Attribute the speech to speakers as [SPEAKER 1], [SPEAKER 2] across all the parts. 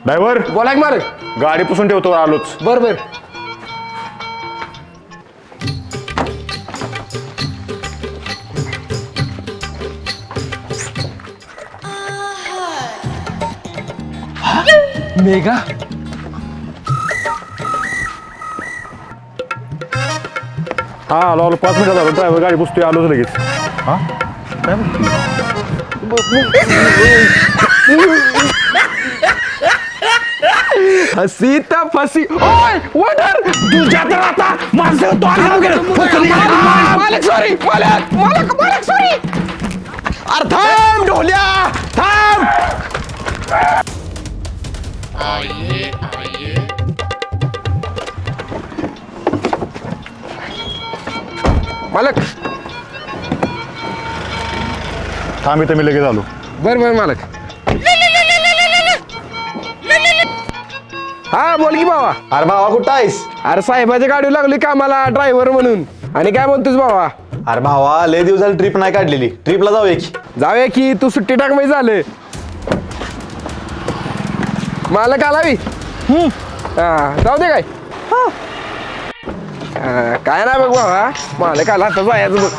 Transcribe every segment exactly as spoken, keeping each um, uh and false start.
[SPEAKER 1] Driver
[SPEAKER 2] बोला की मालक.
[SPEAKER 1] गाडी पुसून ठेवतो आलोच.
[SPEAKER 2] बर बर. मेघा
[SPEAKER 1] हा आलो आलो पाच मिनिटात आलो. ड्रायव्हर गाडी पुसतोय आलोच लगेच. हा काय
[SPEAKER 2] हसी तर फसी. ओय वडर तुझ्या तर आता माझं मालक सॉरी मालक मालक मालक सॉरी. अरे थांब ढोल्या थांब. मालक
[SPEAKER 1] थांब इथं मी लगेच आलो.
[SPEAKER 2] बर बर मालक. हा बोल की बाबा.
[SPEAKER 3] अरे भावा कुठं आहेस?
[SPEAKER 2] अरे साहेबाच्या गाडी लागली कामाला ड्रायव्हर म्हणून. आणि काय म्हणतोस बाबा?
[SPEAKER 3] अरे भावा लय दिवस झाली ट्रिप नाही काढलेली. ट्रिपला जाऊया की.
[SPEAKER 2] जाऊया की तू सुट्टी टाक माहिती झालं. मालक आलावी हा जाऊ दे काय हा, काय नाही बघ बाबा. मालक आला आता जायचं बघ.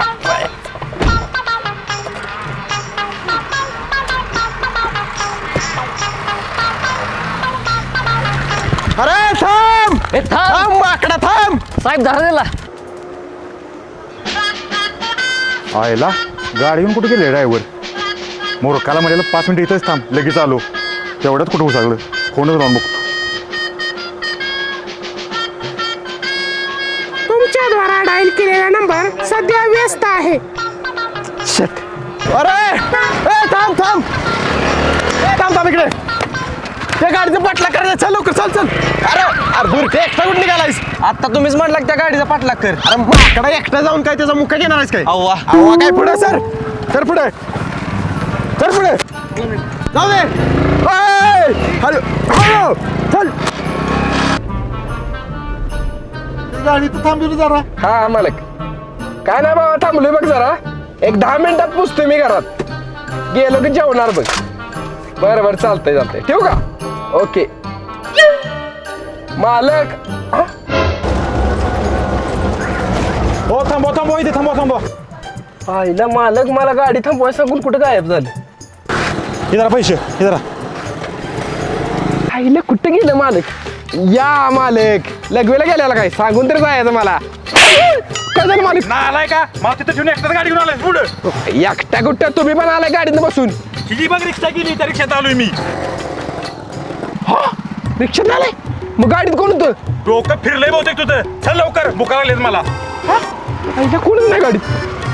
[SPEAKER 2] अरे थांब थांब माकडा थांब.
[SPEAKER 4] साहेब धरा दिला.
[SPEAKER 1] आयला गाडी घेऊन कुठे गेले ड्रायव्हर? मोरकाला म्हणाला पाच मिनिटं इथंच थांब लगेच आलो. तेवढ्यात कुठं उसागलं. फोनच लावून बघतो.
[SPEAKER 5] तुमच्याद्वारा डायल केलेला नंबर सध्या व्यस्त आहे.
[SPEAKER 2] शट. अरे ए थांब थांब ए थांब थांब इकडे. त्या गाडीचं पाठलाग करायचं. चल लवकर चल चल. अरे अरे दूर ते एकटा कुठे निघालायस?
[SPEAKER 3] आता तुम्हीच म्हटलं की त्या गाडीचा पाठलाग कर.
[SPEAKER 2] अरे माकडा एकटा जाऊन काय त्याचा मुक्का घेणार आहेस काय?
[SPEAKER 3] अव्वा
[SPEAKER 2] अव्वा काय पुढे सर सर पुढे सर पुढे जाऊ दे. ए, हॅलो हॅलो चल.
[SPEAKER 1] गाडी तर थांबली जरा.
[SPEAKER 2] हा मालक काय नाही बाबा थांबलोय बघ जरा. एक दहा मिनिटात पोचतोय मी घरात. गेलो की जेवणार बघ. बरं बरं चालतंय चालतंय ठेवू का? ओके मालक.
[SPEAKER 1] हो थांबवा थांबवा इथे थांबवा थांबवा.
[SPEAKER 2] आईला मालक मला गाडी थांबवाय सांगून कुठं गायब झालं.
[SPEAKER 1] हे जरा पैसे हे जरा.
[SPEAKER 2] आईला कुठं गेलं मालक? या मालक लगवेला गेल्याला काय सांगून तरी जायचं मला. काय झालं मालक?
[SPEAKER 1] आलाय का मला तिथं ठेवून एकटाच गाडी घेऊन आलाय पुढं.
[SPEAKER 2] एकटा कुठं तुम्ही पण आलाय गाडीनं बसून.
[SPEAKER 1] किती बघ रिक्षा गेली त्या रिक्षात आलोय मी.
[SPEAKER 2] हा रिक्षात आलाय मग गाडीत कोण होतं?
[SPEAKER 1] डोकं फिरलंय बहुतेक तुझं. चल लवकर बुका लागलेत मला.
[SPEAKER 2] आईला कोणच नाही गाडीत.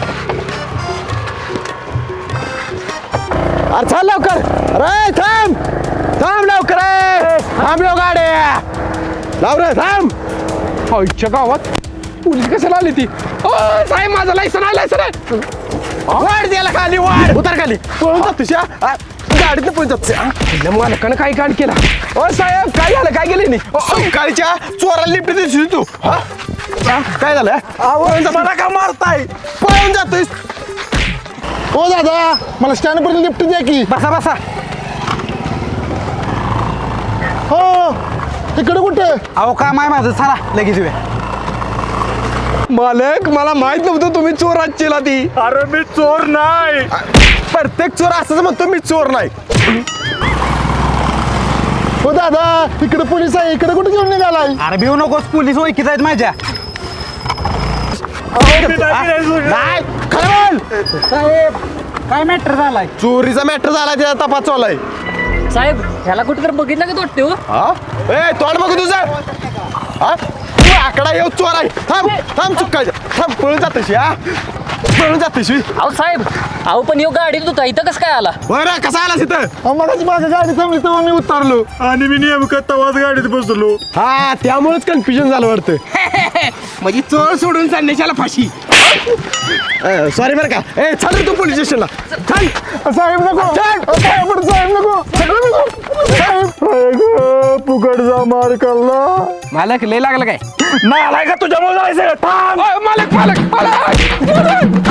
[SPEAKER 2] अरे चल लवकर. अरे थांब थांब लवकर. थांबलो गाड्या लाव रे थांब. आईच्या गावात पोलीस कशाला आली ती? ओ साहेब माझं लायसन आहे लायसन आहे. वाढ द्यायला खाली वाढ उतर खाली. पळून जात तुझ्या गाडीत पळून जात. मालकानं काय कांड केला? ओ साहेब काय झालं काय गेले नाही? गाडीच्या चोराला लिफ्ट दिसली तू. हा काय झालं? मला का मारताय? पळून जातोय.
[SPEAKER 6] ओ दादा मला स्टँड पर्यंत लिफ्ट द्या की.
[SPEAKER 2] बसा बसा.
[SPEAKER 6] हो तिकडे कुठे?
[SPEAKER 3] अहो काम आहे माझं. चला लगेच येऊया.
[SPEAKER 2] मालक मला माहित नव्हतं तुम्ही चोर आजचीला ती.
[SPEAKER 1] अरे मी चोर नाही.
[SPEAKER 2] प्रत्येक चोर असंच म्हणतो मी चोर नाही.
[SPEAKER 6] हो दादा इकडे पोलीस आहे. इकडे कुठे घेऊन निघालाय?
[SPEAKER 3] अरे भिऊ नकोस. पोलीस ओळखीत आहेत माझ्या.
[SPEAKER 2] नाही खरं बोल.
[SPEAKER 3] साहेब काय मॅटर झालाय?
[SPEAKER 2] चोरीचा मॅटर झाला त्याचा तपास चालू आहे.
[SPEAKER 4] साहेब ह्याला कुठे तर बघितलं का तोडते हो?
[SPEAKER 2] हा ए तोंड बघू तुझं. हा तू आकडा येऊ चोर आहे. थांब थांब चुकायचं. थांब पळून जातोशी. हा पळून जातोशी.
[SPEAKER 4] अहो साहेब अहो पण यो गाडीत होता इथं कसं काय आला?
[SPEAKER 2] बरं कसा आलास इथं?
[SPEAKER 6] मगाची माझ्या गाडी थांबली तेव्हा मी उतरलो.
[SPEAKER 1] आणि मी नेमकं तवाच गाडीत बसलो.
[SPEAKER 2] हा त्यामुळेच कन्फ्युजन झालं वाटतं. म्हणजे चोर सोडून चालण्याच्याला फाशी. सॉरी बरं का. ए चल रे तू पोलीस स्टेशनला. चल
[SPEAKER 6] साहेब नको साहेब साहेब नको साहेब फुकटचा मार खाल्ला.
[SPEAKER 2] मालक लय लागलं काय?
[SPEAKER 1] नाही आलाय का तुझ्यामुळे जायचं. थांब.
[SPEAKER 2] ओय, मालक मालक मालक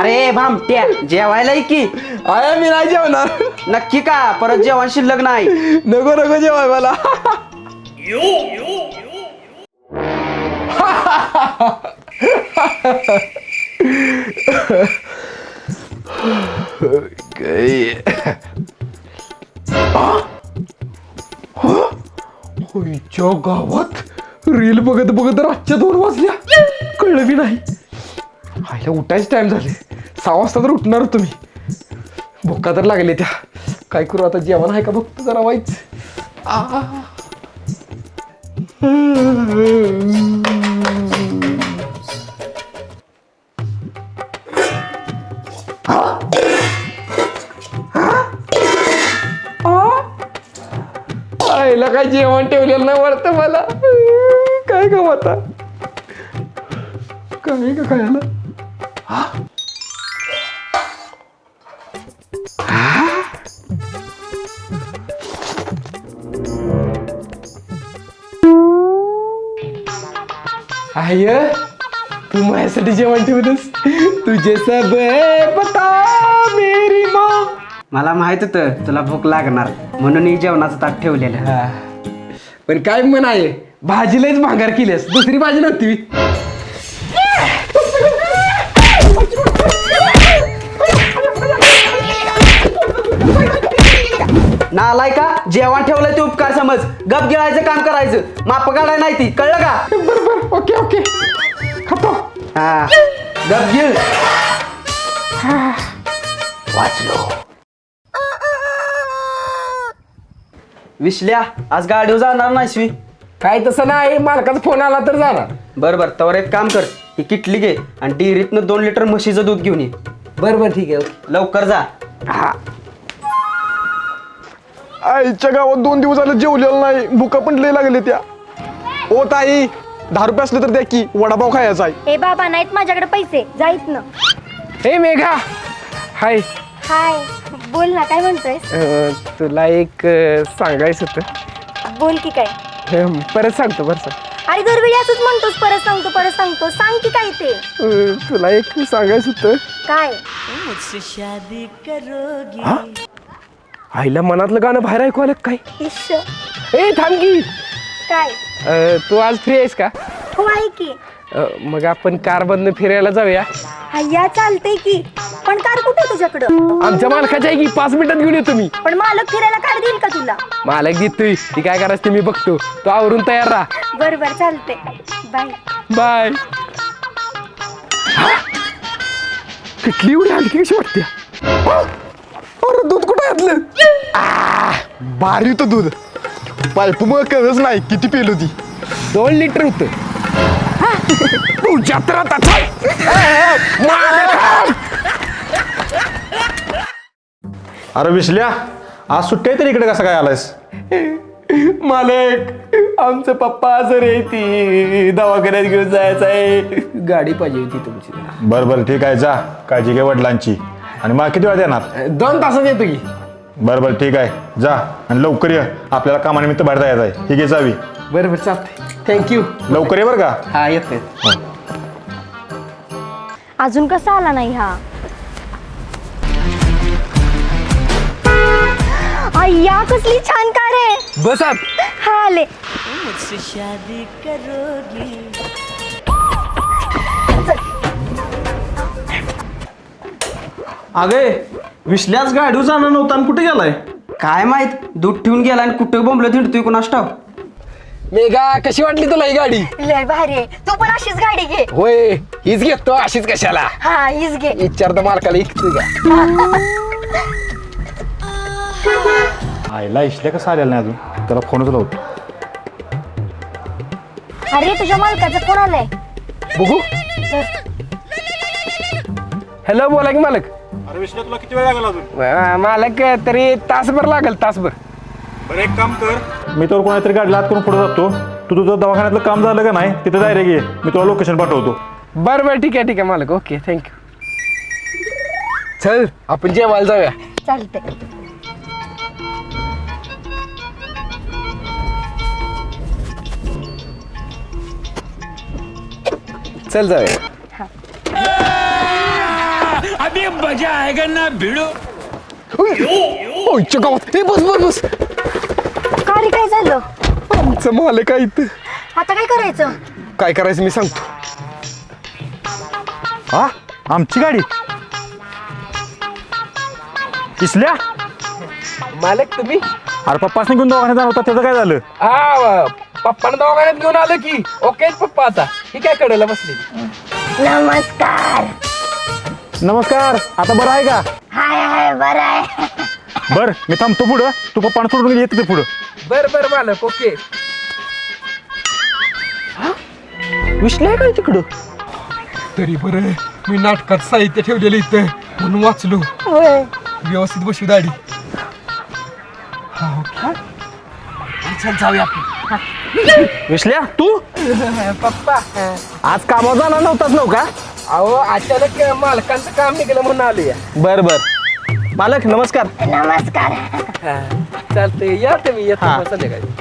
[SPEAKER 7] अरे भामट्या जेवायला ये की.
[SPEAKER 2] आया मी नाही जेवणार.
[SPEAKER 7] नक्की का परत जेवण शिल्लक नाही.
[SPEAKER 2] नको नको जेवाय मला. होईच्या गावात रील बघत बघत रातच्या दोन वाजल्या कळलं बी नाही. आईला उठायच टाइम झाले. सहा वाजता तर उठणार तुम्ही. भुक्का तर लागले त्या. काय करू आता जेवण आहे का बघतो जरा वाईच. आईला काय जेवण ठेवलेलं नाही वाटतं मला. काय का आता काय का खायला. आय तू माझ्यासाठी जेवण ठेवतस. तुझे सब पता मेरी माँ.
[SPEAKER 7] मला माहित होतं तुला भूक लागणार म्हणून ही जेवणाचं ताट ठेवलेलं.
[SPEAKER 2] पण काय म्हण आहे भाजीलाच भांगार केलीस. दुसरी भाजी नव्हती.
[SPEAKER 7] नालाय का जेवण ठेवलंय ते उपकार समज. गप गिळायचं काम करायचं. माप काढाय नाही ती कळलं का.
[SPEAKER 2] बरोबर ओके ओके खातो.
[SPEAKER 7] हा गप गिळ. वाचलो. विसल्या आज गाडीवर जाणार नाहीस.
[SPEAKER 2] काय तसं नाही. मालकाचा फोन आला तर जाणार.
[SPEAKER 7] बरं बरं तवर एक काम कर. ही किटली घे आणि डेअरीतनं दोन लिटर म्हशीचं दूध घेऊन ये.
[SPEAKER 2] बरं बरं ठीक आहे ओके.
[SPEAKER 7] लवकर जा.
[SPEAKER 2] हा आईच्या गावात दोन दिवस झाले जेवलेलं नाही. भुका पण लय लागले त्या. ओ ताई दहा रुपये असले तर द्या की वडापाव खायचा आहे.
[SPEAKER 8] ए बाबा नाहीत माझ्याकडे पैसे. जाईत ना.
[SPEAKER 2] हे मेघा हाय.
[SPEAKER 8] हाय बोल ना काय म्हणतोय.
[SPEAKER 2] अं, तुला एक अं, सांगायचं होतं.
[SPEAKER 8] बोल की काय.
[SPEAKER 2] अं, परत सांगतो बरं सांग.
[SPEAKER 8] अरे दरवेळी असंच म्हणतोस परत सांगतो परत सांगतो. सांग की काय ते.
[SPEAKER 2] अं, तुला एक सांगायचं होतं.
[SPEAKER 8] काय.
[SPEAKER 2] आईला मनातलं गाणं बाहेर ऐकू आलं काय.
[SPEAKER 8] इश्श.
[SPEAKER 2] ए थांब की.
[SPEAKER 8] काय.
[SPEAKER 2] अं, तू आज फ्री आहेस का.
[SPEAKER 8] हो आहे की.
[SPEAKER 2] अं, मग आपण कार बंद फिरायला जाऊया.
[SPEAKER 8] हय्या चालतंय की. पण कार कुठे तुझ्याकडं.
[SPEAKER 2] आमच्या मालकाच्या आहे की पाच मिनिटात घेऊन येतो मी.
[SPEAKER 8] पण मालक फिरायला कार देईल का तुला.
[SPEAKER 2] मालक देतोय. ती काय करायचं ते मी बघतो. तू आवरून तयार राहा.
[SPEAKER 8] बर बर चालतंय. Bye
[SPEAKER 2] bye. किटली एवढी हलकी कशी वाटते. अरे दूध कुठं घातलं.
[SPEAKER 6] भारी होतं दूध. पाईप मग कळच नाही किती पेलो ती.
[SPEAKER 2] दोन लिटर होत. जत्रा
[SPEAKER 1] अरे विसल्या आज सुट्टी आहे तर इकडे कसं काय आलायस.
[SPEAKER 2] मालक आमचं पप्पा आजारी आहे. ती दवाखान्यात घेऊन जायचं आहे. गाडी पाहिजे होती तुमची.
[SPEAKER 1] बरं बरं ठीक आहे जा. काळजी घे वडिलांची. आणि मग किती वेळा येणार.
[SPEAKER 2] दोन तासात येतो की.
[SPEAKER 1] बरं बरं ठीक आहे जा. आणि लवकर ये. आपल्याला कामानिमित्त बाहेर जायचं आहे. ही घे जावी.
[SPEAKER 2] बरं बरं चालतंय. थँक्यू.
[SPEAKER 1] लवकर ये बरं का.
[SPEAKER 2] हा येतोय.
[SPEAKER 8] अजून कसा आला नाही हा. अय्या कसली छान कार आहे.
[SPEAKER 2] बस आत.
[SPEAKER 8] हा आले.
[SPEAKER 3] अगे विसल्याच गाडीवर जाणार नव्हता आणि कुठे गेलाय.
[SPEAKER 7] काय माहित दूध ठेवून गेला आणि कुठे बोंबलं थिंडतोय कोणास ठाव.
[SPEAKER 2] मेघा कशी वाटली तुला ही गाडी.
[SPEAKER 8] लय भारी आहे. तू पण अशीच गाडी घे.
[SPEAKER 2] होय हीच घेतो. अशीच कशाला.
[SPEAKER 8] हा हीच घे.
[SPEAKER 2] विचारतो मालकाला इकतो का.
[SPEAKER 1] आईला इशल्या कसं आलेला नाही अजून. त्याला फोनच लावतो.
[SPEAKER 8] अरे तुझ्या मालकाचा फोन आलाय.
[SPEAKER 2] बघू. हॅलो बोला की मालक.
[SPEAKER 1] अरे विसल्या तुला किती वेळ लागला अजून.
[SPEAKER 2] अं, मालक तरी तासभर लागेल तासभर.
[SPEAKER 1] बरं एक काम कर. मी तर कोणातरी गाडीला हात करून पुढे जातो. तू तुझं दवाखान्यातलं काम झालं का नाही तिथं डायरेक्ट ये. मी तुला लोकेशन पाठवतो.
[SPEAKER 2] बरं बरं ठीक आहे ठीक आहे मालक. Okay thank you. चल आपण जेवायला जाऊया.
[SPEAKER 8] चालतंय.
[SPEAKER 2] चल जाऊया. ओयच्या गावात ए बस बस बस
[SPEAKER 8] का रे काय झालं
[SPEAKER 2] आमचं मालक आहे इथं.
[SPEAKER 8] आता काय करायचं
[SPEAKER 2] काय करायचं मी सांगतो.
[SPEAKER 1] हा आमची गाडी इसल्या
[SPEAKER 2] मालक तुम्ही
[SPEAKER 1] अरे पप्पासने घेऊन दवाखान्यात जाणार होता त्याचं काय झालं?
[SPEAKER 2] हा पप्पानं दवाखान्यात घेऊन आलं की ओके पप्पा आता ही काय कडेला बसली.
[SPEAKER 8] नमस्कार
[SPEAKER 1] नमस्कार, आता बरं आहे का?
[SPEAKER 8] हाय हाय बरं आहे
[SPEAKER 1] बर मी थांबतो पुढं, तू पप्पानं सोडून येत ते पुढं.
[SPEAKER 2] बर बर मालक ओके. विश्ले काय तिकडं तरी बरं मी नाटकात साहित्य ठेवलेलं इथं म्हणून वाचलो.
[SPEAKER 8] होय
[SPEAKER 2] व्यवस्थित बसू दाढी. चल जाऊया आपण.
[SPEAKER 3] विसल्या तू
[SPEAKER 2] पप्पा
[SPEAKER 3] आज कामावर जाणार नव्हताच नव्ह का?
[SPEAKER 2] अहो अचानक मालकांचं काम निघालं म्हणून आलोया.
[SPEAKER 3] बर बर मालक नमस्कार.
[SPEAKER 8] नमस्कार
[SPEAKER 2] चालतंय या तुम्ही येतो
[SPEAKER 3] हा.
[SPEAKER 2] मग संध्याकाळी.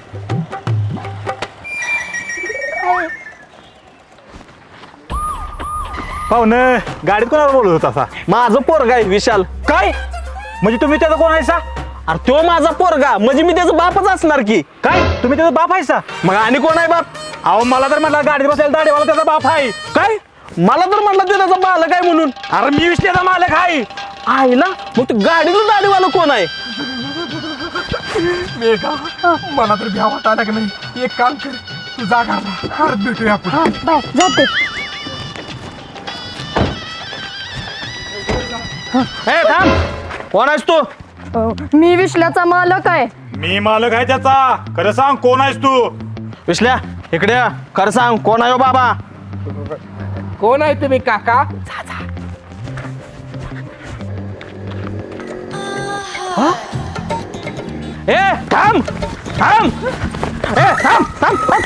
[SPEAKER 1] पाहुण गाडीत कोणाला बोलत होता असा?
[SPEAKER 3] माझं पोरगा आहे विशाल.
[SPEAKER 1] काय म्हणजे तुम्ही त्याचा कोण आहेसा?
[SPEAKER 3] अरे तो माझा पोरगा म्हणजे मी त्याचा बापच असणार की.
[SPEAKER 1] काय तुम्ही त्याचा बाप आहेसा?
[SPEAKER 3] मग आणि कोण आहे बाप?
[SPEAKER 1] अहो मला तर म्हटलं गाडीत बसायला दाढीवाला त्याचा बाप आहे.
[SPEAKER 3] काय मला तर म्हटलं ते त्याचा बालक आहे म्हणून.
[SPEAKER 1] अरे मी विसल्याचा मालक आहे.
[SPEAKER 3] आईला मग ते गाडीचं दाढीवाला कोण आहे?
[SPEAKER 2] मेघा मला तर भ्या वाटायला का नाही. एक काम कर तू जा घरला परत भेटूया आपण.
[SPEAKER 8] हा बाय जाते
[SPEAKER 3] ए थांब कोण आहेस तू?
[SPEAKER 8] मी विश्ल्याचा मालक आहे
[SPEAKER 1] मी मालक आहे त्याचा. खरं सांग कोण आहेस तू?
[SPEAKER 3] विसल्या इकडे ये. खरं सांग कोण आहे हो बाबा?
[SPEAKER 2] कोण आहे तुम्ही काका?
[SPEAKER 3] ए थांब थांब ए थांब थांब थांब.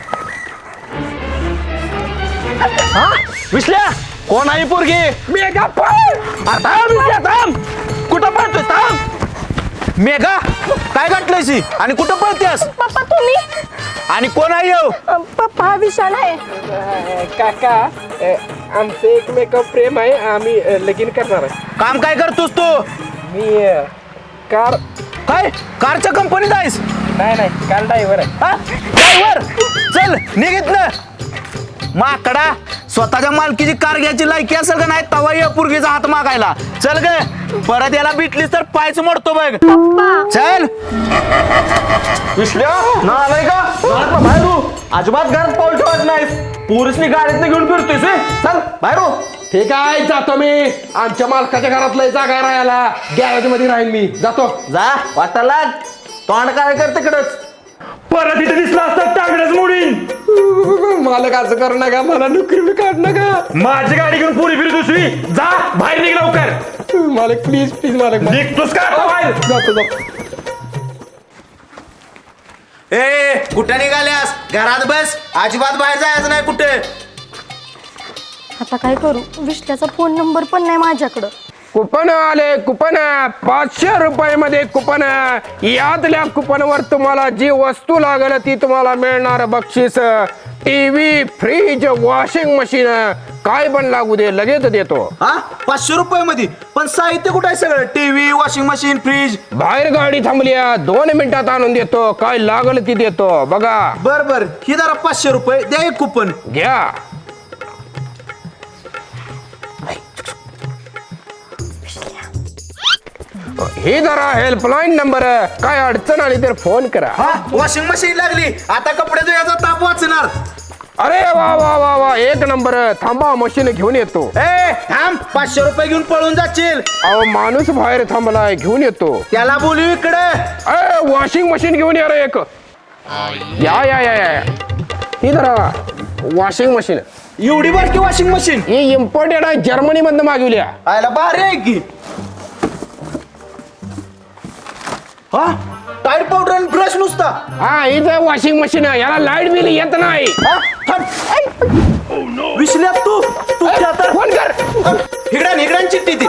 [SPEAKER 3] हा विसल्या कोण आहे ही पोरगी?
[SPEAKER 2] मेघा पळ.
[SPEAKER 3] अरे थांब विसल्या थांब. कुठं पळतोय थांब. मेघा काय गाठलंयसी आणि कुठं पळतेस?
[SPEAKER 8] पप्पा तुम्ही
[SPEAKER 3] आणि कोण आहे ह्यो?
[SPEAKER 8] अ, पप्पा हा विशाल आहे
[SPEAKER 2] काका अ, आमचं एकमेकावर प्रेम आहे. आम्ही अ, लगीन करणार आहे.
[SPEAKER 3] काम काय करतोस तू?
[SPEAKER 2] मी अ, कार
[SPEAKER 3] काय कारच्या कंपनीत आहेस?
[SPEAKER 2] नाही नाही कार ड्रायव्हर आहे.
[SPEAKER 3] हा ड्रायव्हर चल निघित ना माकडा. स्वतःच्या मालकीची कार घ्यायची लायकी असेल का नाही तवा ये पोरगीचा हात मागायला. चल ग परत याला भेटलीस तर पायच मोडतो बघ. चल विसल्या ना आलाय का घरात ना बाहेर हो. अजिबात घरात पाऊल ठेवत नाहीस. पोरीसनी गाडीत घेऊन फिरतोयस व्हय? चल बाहेर हो.
[SPEAKER 2] ठीक आहे जातो मी. आमच्या मालकाच्या घरात लय जागा राहायला गॅरेज मध्ये राहीन मी. जातो.
[SPEAKER 3] जा वाटायला तोंड काय कर तिकडच.
[SPEAKER 1] परत इथे दिसला असता टांगडच मोडीन.
[SPEAKER 2] मालक असं करू नका. मला नोकरी काढ नका.
[SPEAKER 1] माझी गाडी घेऊन पुरी फिरत दुसरी. जा बाहेर निघ लवकर.
[SPEAKER 2] मालक प्लीज प्लीज मालक.
[SPEAKER 1] निघतोस का आता बाहेर?
[SPEAKER 2] जातो जातो.
[SPEAKER 3] ए कुठे निघाल्यास? घरात बस. अजिबात बाहेर जायचं नाही कुठे.
[SPEAKER 8] आता काय करू विश्ल्याचा फोन नंबर पण नाही माझ्याकडं
[SPEAKER 2] कुपन आले कुपन पाचशे रुपये मध्ये कुपन. यातल्या कुपनवर तुम्हाला जी वस्तू लागेल ती तुम्हाला मिळणार बक्षीस. टीव्ही फ्रीज वॉशिंग मशीन काय पण लागू दे लगेच देतो.
[SPEAKER 3] हा पाचशे रुपये मध्ये पण साहित्य कुठं आहे सगळं? TV washing machine fridge.
[SPEAKER 2] बाहेर गाडी थांबल्या दोन मिनिटात आणून देतो. काय लागेल ती देतो बघा.
[SPEAKER 3] बर बर ही जरा पाचशे रुपये द्या एक कुपन.
[SPEAKER 2] घ्या. ही जरा हेल्पलाईन नंबर. काय अडचण आली तर फोन करा.
[SPEAKER 3] हा वॉशिंग मशीन लागली आता कपडे धुयाचा ताप वाचणार.
[SPEAKER 2] अरे वा वा वा वा एक नंबर. थांबा मशीन घेऊन येतो.
[SPEAKER 3] ए थांब पाचशे रुपये घेऊन पळून जाशील.
[SPEAKER 2] अहो माणूस बाहेर थांबलाय घेऊन येतो.
[SPEAKER 3] त्याला बोलू इकडे.
[SPEAKER 2] अरे वॉशिंग मशीन घेऊन या रे एक. या या या या ही जरा वॉशिंग मशीन.
[SPEAKER 3] एवढी बारकी वॉशिंग मशीन?
[SPEAKER 2] ही इम्पोर्टेड आहे जर्मनी मधनं मागवल्या.
[SPEAKER 3] आयला भारी आहे की. हा टायर पावडर आणि ब्रश नुसता.
[SPEAKER 2] हा ही तर वॉशिंग मशीन आहे. याला लाईट बिल येत नाही.
[SPEAKER 3] हा थांब. विसल्या तू तू त्या तर
[SPEAKER 2] फोन कर.
[SPEAKER 3] हिगड्यान हिगड्यान चिठ्ठी ती.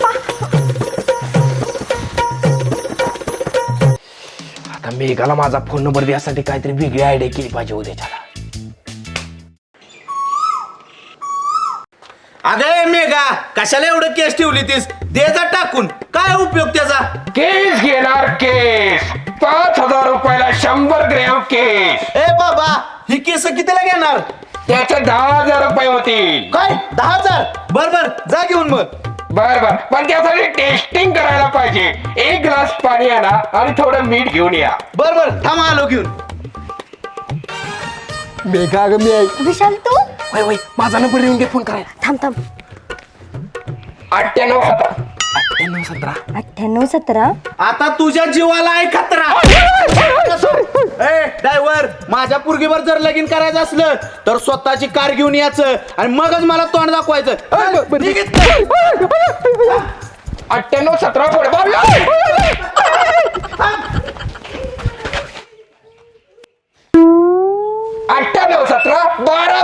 [SPEAKER 2] आता मेघाला माझा फोन नंबर द्यासाठी काहीतरी वेगळी आयडिया केली पाहिजे उद्याच्याला.
[SPEAKER 3] अगं मेघा कशाला एवढं केस ठेवली तीस दे जा टाकून काय उपयोग त्याचा
[SPEAKER 2] केस घेणार केस पाच हजार रुपयाला शंभर ग्रॅम केस
[SPEAKER 3] ए बाबा ही केस कितीला घेणार
[SPEAKER 2] त्याचे दहा हजार रुपये होतील
[SPEAKER 3] काय दहा हजार बर बर जा घेऊन मग
[SPEAKER 2] बर बर पण त्यासाठी टेस्टिंग करायला पाहिजे एक ग्लास पाणी आणा आणि थोडं मीठ घेऊन या
[SPEAKER 3] बर बर थांबा आलो घेऊन
[SPEAKER 2] मेघा ग मी
[SPEAKER 8] विशाल तू
[SPEAKER 2] वय वय माझा नंबर येऊन घे फोन करायला
[SPEAKER 8] थांब थांब
[SPEAKER 2] अठ्ठ्याण्णव सतरा
[SPEAKER 3] अठ्ठ्याण्णव सतरा
[SPEAKER 8] अठ्ठ्याण्णव सतरा
[SPEAKER 3] आता तुझ्या जीवाला आहे खतरा ए ड्रायव्हर माझ्या पुरगीवर जर लगीन करायचं असलं तर स्वतःची कार घेऊन यायचं आणि मगच मला तोंड दाखवायचं निघ इथनं.
[SPEAKER 2] अठ्ठ्याण्णव सतरा पुढे अठ्ठ्याण्णव सतरा बारा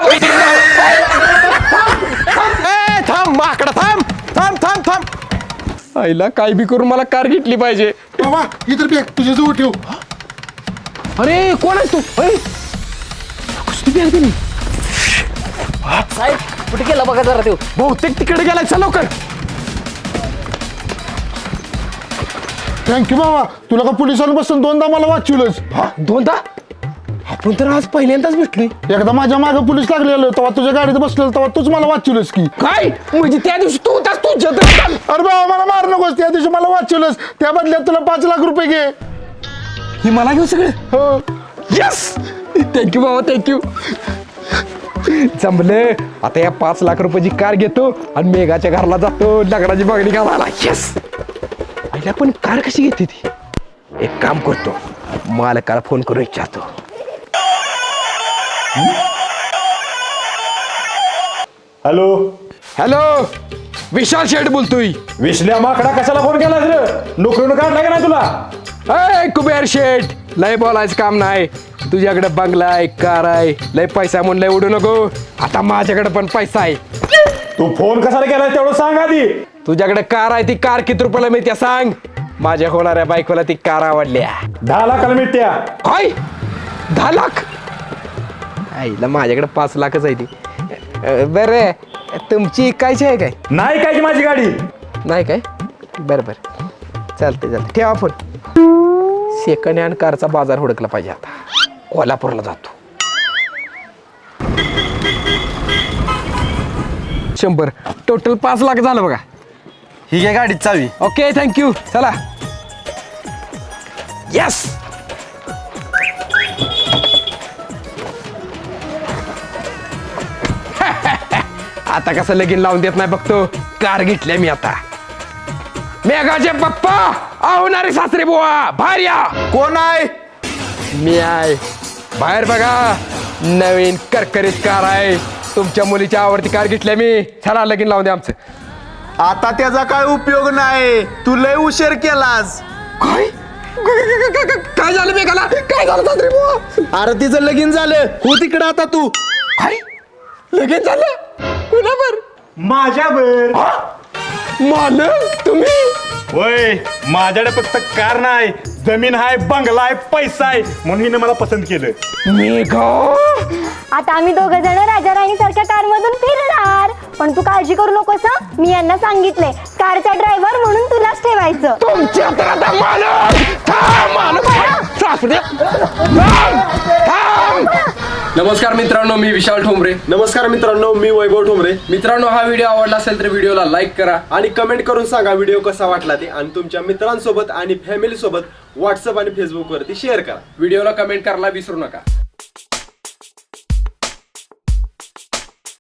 [SPEAKER 6] ए, थांब माकडा थांब थांब थांब थांब
[SPEAKER 2] आईला काय बी करून मला कार घेतली पाहिजे
[SPEAKER 6] बाबा इतर बॅग तुझ्या जवळ ठेव
[SPEAKER 2] अरे कोण आहेस तू अरे कुस्ती बॅग दिली
[SPEAKER 4] साहेब कुठे गेला बघा जरा तो
[SPEAKER 2] बहुतेक तिकडे गेलाय चल लवकर
[SPEAKER 6] थँक्यू बाबा तुला का पोलिसांपासून दोनदा मला वाचवलंच
[SPEAKER 2] दोनदा आपण तर आज पहिल्यांदाच भेटलोय
[SPEAKER 6] एकदा माझ्या मागे पोलीस लागलेलं तेव्हा तुझ्या गाडीत बसलेलं तेव्हा तूच मला वाचवलंस की
[SPEAKER 2] काय म्हणजे त्या दिवशी तू होतास तू जत्र
[SPEAKER 6] अरे बाबा मला मार नकोस त्या दिवशी मला वाचवलंस त्या बदल्यात तुला पाच लाख रुपये घे
[SPEAKER 2] ही मला घेऊ सगळं
[SPEAKER 6] हो
[SPEAKER 2] यस थँक्यू बाबा थँक्यू जमले आता या पाच लाख रुपयाची कार घेतो आणि मेघाच्या घराला जातो लग्नाची मागणी घालायला यस आईला पण कार कशी घेते ती एक काम करतो मालकाला फोन करून विचारतो
[SPEAKER 1] हॅलो
[SPEAKER 2] हॅलो विशाल शेठ बोलतोय
[SPEAKER 1] विश्ल्या माकडा कशाला फोन केला रे नोकरीनं काढला का नाही तुला
[SPEAKER 2] अय कुबेर शेठ लय बोलायचं काम नाही तुझ्याकडे बंगला आहे कार आहे लय पैसा म्हणून लय उडू नको आता माझ्याकडे पण पैसा आहे
[SPEAKER 1] तू फोन कशाला केला तेवढं सांग आधी
[SPEAKER 2] तुझ्याकडे कार आहे ती कार किती रुपयाला मिळते सांग माझ्या होणाऱ्या बायकोला ती कार आवडल्या
[SPEAKER 1] दहा लाखाला मिळत्या
[SPEAKER 2] काय दहा लाख आईला माझ्याकडे पाच लाखच आहे ती बरं तुमची इकायची आहे काय
[SPEAKER 1] नाही काय की माझी गाडी
[SPEAKER 2] नाही काय बरं बरं चालते चालते ठेवा फोन सेकंड हँड कारचा बाजार हुडकला पाहिजे आता कोल्हापूरला जातो शंभर टोटल पाच लाख झालं बघा
[SPEAKER 3] ही घ्या गाडीत चावी
[SPEAKER 2] ओके थँक्यू चला यस आता कसं लगीन लावून देत नाही बघतो कार घेतल्या मी आता मेघाचे पप्पा आवणारे सासरे बुवा बाहेर या
[SPEAKER 3] कोण आहे
[SPEAKER 2] मी आहे बाहेर बघा नवीन करकरीत कार आहे तुमच्या मुलीच्या आवडती कार घेतल्या मी चला लगीन लावून द्या आमचं
[SPEAKER 3] आता त्याचा काय उपयोग नाही तू लय उशीर केलास
[SPEAKER 2] काय काय झालं मेघाला काय झालं सासरे बुवा
[SPEAKER 3] अरे तिचं लगीन झालं हो तिकडं आता तू
[SPEAKER 2] काय लगेच झालं कुणावर
[SPEAKER 1] माझ्यावर
[SPEAKER 2] मालक तुम्ही
[SPEAKER 1] होय माझ्याकडे फक्त कार नाही जमीन आहे बंगला आहे पैसा आहे म्हणून हिने मला पसंत केलं
[SPEAKER 2] मेघा
[SPEAKER 8] आता आम्ही दोघं जण राजा राणी सारख्या कार मधून फिरणार पण तू काळजी करू नकोस हं? मी यांना सांगितलंय कारचा ड्रायव्हर म्हणून तुलाच ठेवायचं
[SPEAKER 2] तुमच्या तर आता मालक थांब मालक सासरे थांब थांब नमस्कार मित्रांनो मी विशाल ठोंबरे
[SPEAKER 9] नमस्कार मित्रांनो मी वैभव ठोंबरे.
[SPEAKER 2] मित्रांनो हा व्हिडिओ आवडला असेल तर व्हिडिओला लाईक करा
[SPEAKER 9] आणि कमेंट करून सांगा व्हिडिओ कसा वाटला ते आणि तुमच्या मित्रांसोबत आणि फॅमिली सोबत व्हॉट्सअप आणि फेसबुक वरती शेअर करा.
[SPEAKER 2] व्हिडिओला कमेंट करायला विसरू नका.